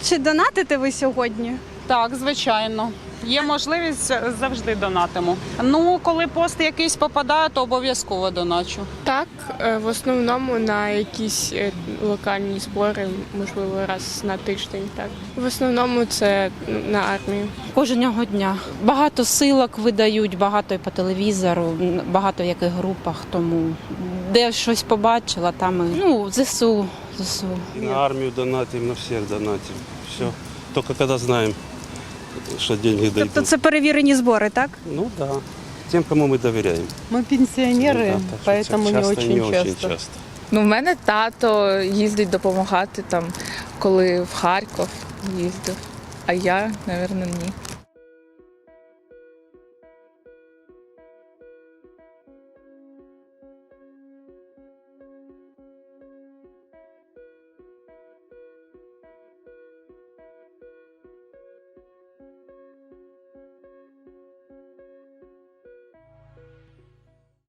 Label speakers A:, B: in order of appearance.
A: Чи донатите ви сьогодні?
B: Так, звичайно. Є можливість, завжди донатимо. Ну, коли пост якийсь попадає, то обов'язково доначу.
C: Так, в основному на якісь локальні збори, можливо, раз на тиждень. Так. В основному це на армію.
D: Кожного дня. Багато силок видають, багато і по телевізору, багато в яких групах, тому де щось побачила, там і ЗСУ.
E: На армию донатим, на всех донатим. Все. Только когда знаем, что деньги дойдут.
A: Тобто це перевірені збори, так?
E: Ну да. Тем, кому мы доверяем.
F: Мы пенсионеры,
E: Ну да, так что
F: поэтому не очень часто.
C: Ну, в мене тато їздить допомагати там, коли в Харків їздив, а я, мабуть, ні.